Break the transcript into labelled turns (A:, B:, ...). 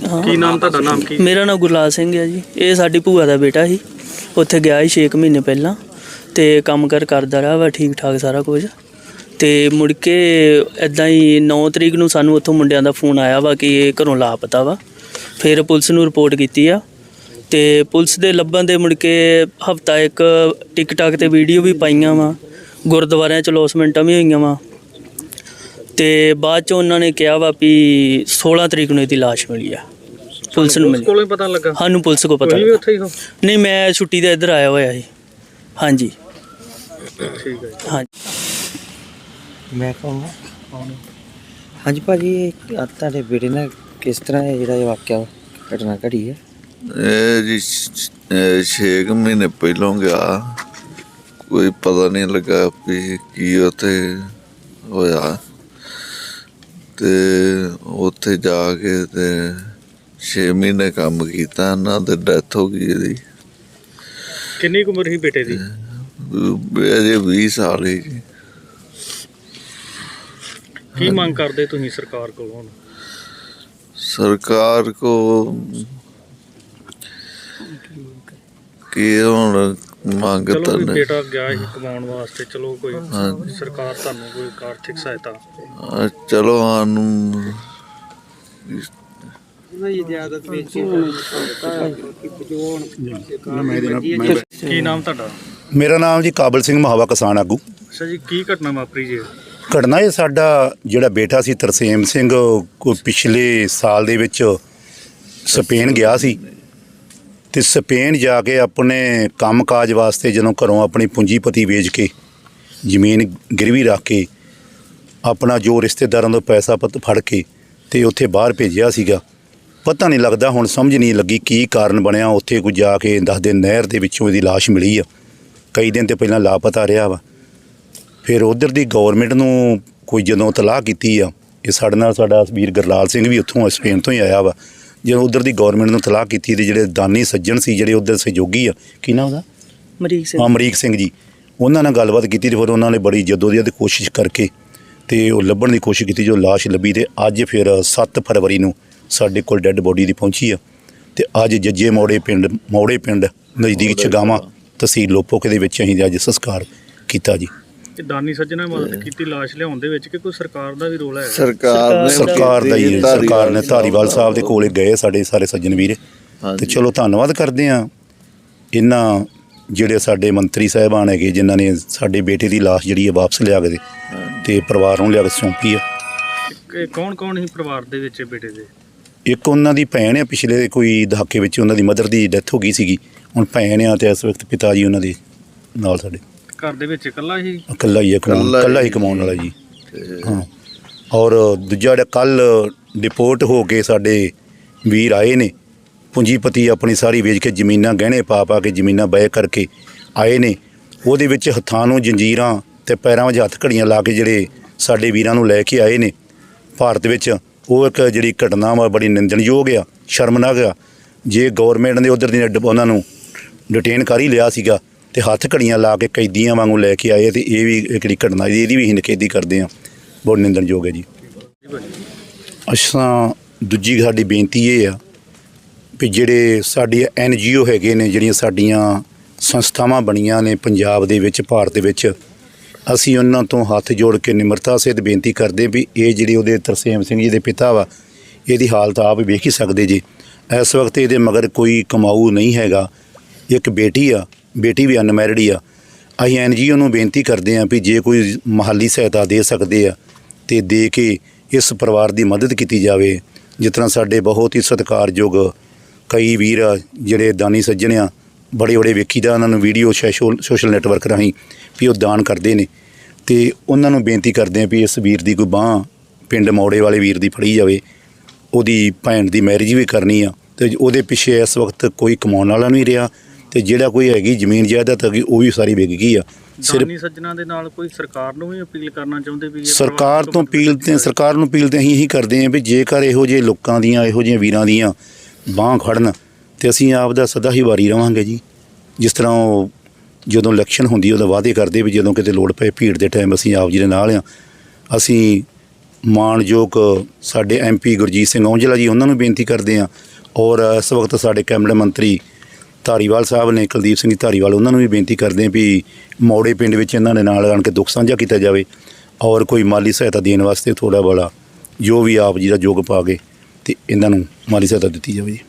A: ਕੀ ਨਾਮ ਤੁਹਾਡਾ? ਨਾਮ ਕੀ?
B: ਮੇਰਾ ਨਾਮ ਗੁਰਲਾਲ ਸਿੰਘ ਹੈ ਜੀ। ਇਹ ਸਾਡੀ ਭੂਆ ਦਾ ਬੇਟਾ ਸੀ। ਉੱਥੇ ਗਿਆ ਸੀ 6 ਮਹੀਨੇ ਪਹਿਲਾਂ ਅਤੇ ਕੰਮ ਕਾਰ ਕਰਦਾ ਰਿਹਾ ਵਾ ਠੀਕ ਠਾਕ ਸਾਰਾ ਕੁਝ। ਅਤੇ ਮੁੜ ਕੇ ਇੱਦਾਂ ਹੀ 9 ਤਰੀਕ ਨੂੰ ਸਾਨੂੰ ਉੱਥੋਂ ਮੁੰਡਿਆਂ ਦਾ ਫੋਨ ਆਇਆ ਵਾ ਕਿ ਇਹ ਘਰੋਂ ਲਾਪਤਾ ਵਾ। ਫਿਰ ਪੁਲਿਸ ਨੂੰ ਰਿਪੋਰਟ ਕੀਤੀ ਆ ਅਤੇ ਪੁਲਿਸ ਦੇ ਲੱਭਣ ਦੇ ਮੁੜ ਕੇ ਹਫ਼ਤਾ ਇੱਕ ਟਿਕਟਾਕ 'ਤੇ ਵੀਡੀਓ ਵੀ ਪਾਈਆਂ ਵਾ, ਗੁਰਦੁਆਰਿਆਂ 'ਚ ਲੌਸਮੈਂਟਾਂ ਵੀ ਹੋਈਆਂ ਵਾ। ਅਤੇ ਬਾਅਦ 'ਚ ਉਹਨਾਂ ਨੇ ਕਿਹਾ ਵਾ ਵੀ 16 ਤਰੀਕ ਨੂੰ ਇਹਦੀ ਲਾਸ਼ ਮਿਲੀ ਆ। ਪੁਲਿਸ ਨੂੰ ਮਿਲੀ।
A: ਕੋਲੋਂ ਹੀ ਪਤਾ ਲੱਗਾ?
B: ਸਾਨੂੰ ਪੁਲਿਸ ਕੋਲ ਪਤਾ
A: ਵੀ ਉੱਥੇ ਹੀ ਹੋ?
B: ਨਹੀਂ, ਮੈਂ ਛੁੱਟੀ 'ਤੇ ਇੱਧਰ ਆਇਆ ਹੋਇਆ ਸੀ। ਹਾਂਜੀ
A: ਠੀਕ ਹੈ।
B: ਹਾਂਜੀ
C: ਮੈਂ ਕਹੂੰਗਾ ਹਾਂਜੀ ਭਾਜੀ, ਤੁਹਾਡੇ ਬੇਟੇ ਨਾਲ ਕਿਸ ਤਰ੍ਹਾਂ ਇਹ ਜਿਹੜਾ ਇਹ ਵਾਕਿਆ ਘਟਨਾ ਘੜੀ ਹੈ?
D: ਇਹ ਜੀ 6 ਮਹੀਨੇ ਪਹਿਲੋਂ ਗਿਆ, ਕੋਈ ਪਤਾ ਨਹੀਂ ਲੱਗਾ ਵੀ ਕੀ ਉੱਥੇ ਹੋਇਆ। ਤੇ ਉੱਥੇ ਜਾ ਕੇ ਤੇ 6 ਮਹੀਨੇ ਕੰਮ ਕੀਤਾ, ਇਹਨਾਂ ਤੇ ਡੈਥ ਹੋ ਗਈ ਇਹਦੀ।
A: ਕਿੰਨੀ ਕੁ ਉਮਰ ਸੀ ਬੇਟੇ ਦੀ?
D: ਅਜੇ 20 ਸਾਲ ਹੀ ਜੀ।
A: ਕੀ ਮੰਗ ਕਰਦੇ ਤੁਸੀਂ ਸਰਕਾਰ ਕੋਲ ਹੁਣ?
D: ਸਰਕਾਰ ਕੋ ਕੀ ਹੁਣ ਮੰਗ
A: ਚਲੋ
D: ਤਾਂ
A: ਵੀ
D: ਨਹੀਂ।
A: ਬੇਟਾ ਗਿਆ ਸੀ ਕਮਾਉਣ ਵਾਸਤੇ, ਚਲੋ ਕੋਈ ਸਰਕਾਰ ਤੁਹਾਨੂੰ ਕੋਈ ਆਰਥਿਕ ਸਹਾਇਤਾ?
D: ਚਲੋ ਸਾਨੂੰ
A: ਕੀ ਨਾਮ ਤੁਹਾਡਾ?
E: ਮੇਰਾ ਨਾਮ ਜੀ ਕਾਬਲ ਸਿੰਘ ਮਹਾਵਾ ਕਿਸਾਨ ਆਗੂ।
A: ਅੱਛਾ ਜੀ, ਕੀ ਘਟਨਾ ਵਾਪਰੀ ਜੀ?
E: ਘਟਨਾ ਇਹ ਸਾਡਾ ਜਿਹੜਾ ਬੇਟਾ ਸੀ ਤਰਸੇਮ ਸਿੰਘ, ਕੋਈ ਪਿਛਲੇ ਸਾਲ ਦੇ ਵਿੱਚ ਸਪੇਨ ਗਿਆ ਸੀ ਅਤੇ ਸਪੇਨ ਜਾ ਕੇ ਆਪਣੇ ਕੰਮ ਕਾਜ ਵਾਸਤੇ ਜਦੋਂ ਘਰੋਂ ਆਪਣੀ ਪੂੰਜੀਪਤੀ ਵੇਚ ਕੇ ਜ਼ਮੀਨ ਗਿਰਵੀ ਰੱਖ ਕੇ ਆਪਣਾ ਜੋ ਰਿਸ਼ਤੇਦਾਰਾਂ ਤੋਂ ਪੈਸਾ ਫੜ ਕੇ ਅਤੇ ਉੱਥੇ ਬਾਹਰ ਭੇਜਿਆ ਸੀਗਾ। ਪਤਾ ਨਹੀਂ ਲੱਗਦਾ, ਹੁਣ ਸਮਝ ਨਹੀਂ ਲੱਗੀ ਕੀ ਕਾਰਨ ਬਣਿਆ। ਉੱਥੇ ਕੋਈ ਜਾ ਕੇ ਦੱਸਦੇ ਨਹਿਰ ਦੇ ਵਿੱਚੋਂ ਇਹਦੀ ਲਾਸ਼ ਮਿਲੀ ਆ। ਕਈ ਦਿਨ ਤੋਂ ਪਹਿਲਾਂ ਲਾਪਤਾ ਰਿਹਾ ਵਾ। ਫਿਰ ਉੱਧਰ ਦੀ ਗੌਰਮੈਂਟ ਨੂੰ ਕੋਈ ਜਦੋਂ ਤਲਾਹ ਕੀਤੀ ਆ, ਇਹ ਸਾਡੇ ਨਾਲ ਸਾਡਾ ਵੀਰ ਗੁਰਲਾਲ ਸਿੰਘ ਵੀ ਉੱਥੋਂ ਸਪੇਨ ਤੋਂ ਹੀ ਆਇਆ ਵਾ। ਜਦੋਂ ਉੱਧਰ ਦੀ ਗੌਰਮੈਂਟ ਨੂੰ ਤਲਾਹ ਕੀਤੀ ਤੇ ਜਿਹੜੇ ਦਾਨੀ ਸੱਜਣ ਸੀ, ਜਿਹੜੇ ਉੱਧਰ ਸਹਿਯੋਗੀ ਆ, ਕੀ ਨਾਮ ਉਹਦਾ? ਅਮਰੀਕ ਸਿੰਘ ਜੀ। ਉਹਨਾਂ ਨਾਲ ਗੱਲਬਾਤ ਕੀਤੀ ਅਤੇ ਫਿਰ ਉਹਨਾਂ ਨੇ ਬੜੀ ਜਦੋਜਹਿਦ ਕੋਸ਼ਿਸ਼ ਕਰਕੇ ਅਤੇ ਉਹ ਲੱਭਣ ਦੀ ਕੋਸ਼ਿਸ਼ ਕੀਤੀ, ਜੋ ਲਾਸ਼ ਲੱਭੀ। ਅਤੇ ਅੱਜ ਫਿਰ 7 ਫਰਵਰੀ ਨੂੰ ਸਾਡੇ ਕੋਲ ਡੈੱਡ ਬੋਡੀ ਦੀ ਪਹੁੰਚੀ ਆ। ਅਤੇ ਅੱਜ ਜੱਜੇ ਮੋੜੇ ਪਿੰਡ ਨਜ਼ਦੀਕ ਛਗਾਵਾਂ ਤਹਿਸੀਲ ਲੋਪੋਕੇ ਦੇ ਵਿੱਚ ਅਸੀਂ ਅੱਜ ਸੰਸਕਾਰ ਕੀਤਾ ਜੀ।
A: ਇਹ ਦਾਨੀ ਸੱਜਣਾ ਮਦਦ ਕੀਤੀ ਲਾਸ਼ ਲਿਆਉਣ ਦੇ ਵਿੱਚ ਕਿ ਕੋਈ ਸਰਕਾਰ ਦਾ ਵੀ ਰੋਲ ਹੈ?
D: ਸਰਕਾਰ
E: ਦਾ ਹੀ, ਸਰਕਾਰ ਨੇ ਧਾਰੀਵਾਲ ਸਾਹਿਬ ਦੇ ਕੋਲੇ ਗਏ ਸਾਡੇ ਸਾਰੇ ਸੱਜਣ ਵੀਰ। ਅਤੇ ਚਲੋ ਧੰਨਵਾਦ ਕਰਦੇ ਹਾਂ ਇਹਨਾਂ ਜਿਹੜੇ ਸਾਡੇ ਮੰਤਰੀ ਸਾਹਿਬਾਨ ਹੈਗੇ, ਜਿਨ੍ਹਾਂ ਨੇ ਸਾਡੇ ਬੇਟੇ ਦੀ ਲਾਸ਼ ਜਿਹੜੀ ਹੈ ਵਾਪਸ ਲਿਆ ਕੇ ਅਤੇ ਪਰਿਵਾਰ ਨੂੰ ਲਿਆ ਕੇ ਸੌਂਪੀ ਆ।
A: ਕੌਣ ਕੌਣ ਸੀ ਪਰਿਵਾਰ ਦੇ ਵਿੱਚ ਬੇਟੇ ਦੇ?
E: ਇੱਕ ਉਹਨਾਂ ਦੀ ਭੈਣ ਆ, ਪਿਛਲੇ ਕੋਈ ਦਹਾਕੇ ਵਿੱਚ ਉਹਨਾਂ ਦੀ ਮਦਰ ਦੀ ਡੈਥ ਹੋ ਗਈ ਸੀਗੀ। ਹੁਣ ਭੈਣ ਆ ਅਤੇ ਇਸ ਵਕਤ ਪਿਤਾ ਜੀ ਉਹਨਾਂ ਦੇ ਨਾਲ ਸਾਡੇ
A: ਘਰ ਦੇ ਵਿੱਚ ਇਕੱਲਾ ਹੀ
E: ਕਮਾਉਣ ਵਾਲਾ ਜੀ। ਹਾਂ, ਔਰ ਦੂਜਾ ਜਿਹੜਾ ਕੱਲ੍ਹ ਡਿਪੋਰਟ ਹੋ ਕੇ ਸਾਡੇ ਵੀਰ ਆਏ ਨੇ, ਪੂੰਜੀਪਤੀ ਆਪਣੀ ਸਾਰੀ ਵੇਚ ਕੇ ਜ਼ਮੀਨਾਂ ਗਹਿਣੇ ਪਾ ਕੇ ਜ਼ਮੀਨਾਂ ਬੈ ਕਰਕੇ ਆਏ ਨੇ। ਉਹਦੇ ਵਿੱਚ ਹੱਥਾਂ ਨੂੰ ਜੰਜੀਰਾਂ ਅਤੇ ਪੈਰਾਂ ਵਿੱਚ ਹੱਥ ਘੜੀਆਂ ਲਾ ਕੇ ਜਿਹੜੇ ਸਾਡੇ ਵੀਰਾਂ ਨੂੰ ਲੈ ਕੇ ਆਏ ਨੇ ਭਾਰਤ ਵਿੱਚ, ਉਹ ਇੱਕ ਜਿਹੜੀ ਘਟਨਾ ਵਾ ਬੜੀ ਨਿੰਦਣਯੋਗ ਆ, ਸ਼ਰਮਨਾਕ ਆ। ਜੇ ਗੌਰਮੈਂਟ ਨੇ ਉੱਧਰ ਦੀ ਉਹਨਾਂ ਨੂੰ ਡਿਟੇਨ ਕਰ ਹੀ ਲਿਆ ਸੀਗਾ ਅਤੇ ਹੱਥ ਘੜੀਆਂ ਲਾ ਕੇ ਕੈਦੀਆਂ ਵਾਂਗੂ ਲੈ ਕੇ ਆਏ, ਅਤੇ ਇਹ ਵੀ ਜਿਹੜੀ ਘਟਨਾ ਇਹਦੀ ਵੀ ਅਸੀਂ ਨਿਖੇਧੀ ਕਰਦੇ ਹਾਂ, ਬਹੁਤ ਨਿੰਦਣਯੋਗ ਹੈ ਜੀ। ਅੱਛਾ, ਦੂਜੀ ਸਾਡੀ ਬੇਨਤੀ ਇਹ ਆ ਵੀ ਜਿਹੜੇ ਸਾਡੀ NGO ਹੈਗੇ ਨੇ, ਜਿਹੜੀਆਂ ਸਾਡੀਆਂ ਸੰਸਥਾਵਾਂ ਬਣੀਆਂ ਨੇ ਪੰਜਾਬ ਦੇ ਵਿੱਚ, ਭਾਰਤ ਦੇ ਵਿੱਚ, ਅਸੀਂ ਉਹਨਾਂ ਤੋਂ ਹੱਥ ਜੋੜ ਕੇ ਨਿਮਰਤਾ ਸਹਿਤ ਬੇਨਤੀ ਕਰਦੇ ਵੀ ਇਹ ਜਿਹੜੇ ਉਹਦੇ ਤਰਸੇਮ ਸਿੰਘ ਜੀ ਦੇ ਪਿਤਾ ਵਾ, ਇਹਦੀ ਹਾਲਤ ਆਪ ਵੇਖ ਹੀ ਸਕਦੇ ਜੀ। ਇਸ ਵਕਤ ਇਹਦੇ ਮਗਰ ਕੋਈ ਕਮਾਊ ਨਹੀਂ ਹੈਗਾ। ਇੱਕ ਬੇਟੀ ਆ, ਬੇਟੀ ਵੀ ਅਨਮੈਰਿਡ ਹੀ ਆ। ਅਸੀਂ NGO ਨੂੰ ਬੇਨਤੀ ਕਰਦੇ ਹਾਂ ਵੀ ਜੇ ਕੋਈ ਮਾਲੀ ਸਹਾਇਤਾ ਦੇ ਸਕਦੇ ਆ ਅਤੇ ਦੇ ਕੇ ਇਸ ਪਰਿਵਾਰ ਦੀ ਮਦਦ ਕੀਤੀ ਜਾਵੇ। ਜਿਸ ਤਰ੍ਹਾਂ ਸਾਡੇ ਬਹੁਤ ਹੀ ਸਤਿਕਾਰਯੋਗ ਕਈ ਵੀਰ ਆ ਜਿਹੜੇ ਦਾਨੀ ਸੱਜਣ ਆ, ਬੜੇ ਵੇਖੀ ਦਾ ਉਹਨਾਂ ਨੂੰ ਵੀਡੀਓ ਸੋਸ਼ਲ ਨੈਟਵਰਕ ਰਾਹੀਂ ਵੀ ਉਹ ਦਾਨ ਕਰਦੇ ਨੇ, ਅਤੇ ਉਹਨਾਂ ਨੂੰ ਬੇਨਤੀ ਕਰਦੇ ਹਾਂ ਵੀ ਇਸ ਵੀਰ ਦੀ ਕੋਈ ਬਾਂਹ ਪਿੰਡ ਮੌੜੇ ਵਾਲੇ ਵੀਰ ਦੀ ਫੜੀ ਜਾਵੇ। ਉਹਦੀ ਭੈਣ ਦੀ ਮੈਰਿਜ ਵੀ ਕਰਨੀ ਆ, ਅਤੇ ਉਹਦੇ ਪਿੱਛੇ ਇਸ ਵਕਤ ਕੋਈ ਕਮਾਉਣ ਵਾਲਾ ਨਹੀਂ ਰਿਹਾ, ਅਤੇ ਜਿਹੜਾ ਕੋਈ ਹੈਗੀ ਜ਼ਮੀਨ ਜਾਇਦਾਦ ਹੈਗੀ ਉਹ ਵੀ ਸਾਰੀ ਵਿਕ ਗਈ ਆ।
A: ਦਾਨੀ ਸੱਜਣਾ ਦੇ ਨਾਲ ਕੋਈ ਸਰਕਾਰ ਨੂੰ ਵੀ ਅਪੀਲ ਕਰਨਾ ਚਾਹੁੰਦੇ ਵੀ?
E: ਸਰਕਾਰ ਨੂੰ ਅਪੀਲ ਤਾਂ ਅਸੀਂ ਇਹੀ ਕਰਦੇ ਹਾਂ ਵੀ ਜੇਕਰ ਇਹੋ ਜਿਹੇ ਲੋਕਾਂ ਦੀਆਂ, ਇਹੋ ਜਿਹੇ ਵੀਰਾਂ ਦੀਆਂ ਬਾਂਹ ਖੜਨ ਅਤੇ ਅਸੀਂ ਆਪ ਦਾ ਸਦਾ ਹੀ ਵਾਰੀ ਰਹਾਂਗੇ ਜੀ। ਜਿਸ ਤਰ੍ਹਾਂ ਉਹ ਜਦੋਂ ਇਲੈਕਸ਼ਨ ਹੁੰਦੀ ਉਦੋਂ ਵਾਅਦੇ ਕਰਦੇ ਵੀ ਜਦੋਂ ਕਿਤੇ ਲੋੜ ਪਏ ਭੀੜ ਦੇ ਟਾਈਮ ਅਸੀਂ ਆਪ ਜੀ ਦੇ ਨਾਲ ਹਾਂ। ਅਸੀਂ ਮਾਣਯੋਗ ਸਾਡੇ MP ਗੁਰਜੀਤ ਸਿੰਘ ਔਂਜਲਾ ਜੀ ਉਹਨਾਂ ਨੂੰ ਬੇਨਤੀ ਕਰਦੇ ਹਾਂ, ਔਰ ਇਸ ਵਕਤ ਸਾਡੇ ਕੈਬਨਿਟ ਮੰਤਰੀ ਧਾਰੀਵਾਲ ਸਾਹਿਬ ਨੇ, ਕੁਲਦੀਪ ਸਿੰਘ ਧਾਰੀਵਾਲ, ਉਹਨਾਂ ਨੂੰ ਵੀ ਬੇਨਤੀ ਕਰਦੇ ਹਾਂ ਵੀ ਮੌੜੇ ਪਿੰਡ ਵਿੱਚ ਇਹਨਾਂ ਦੇ ਨਾਲ ਆਣ ਕੇ ਦੁੱਖ ਸਾਂਝਾ ਕੀਤਾ ਜਾਵੇ ਔਰ ਕੋਈ ਮਾਲੀ ਸਹਾਇਤਾ ਦੇਣ ਵਾਸਤੇ ਥੋੜ੍ਹਾ ਬੜਾ ਜੋ ਵੀ ਆਪ ਜੀ ਦਾ ਯੋਗ ਪਾ ਕੇ ਤੇ ਇਹਨਾਂ ਨੂੰ ਮਾਲੀ ਸਹਾਇਤਾ ਦਿੱਤੀ ਜਾਵੇ ਜੀ।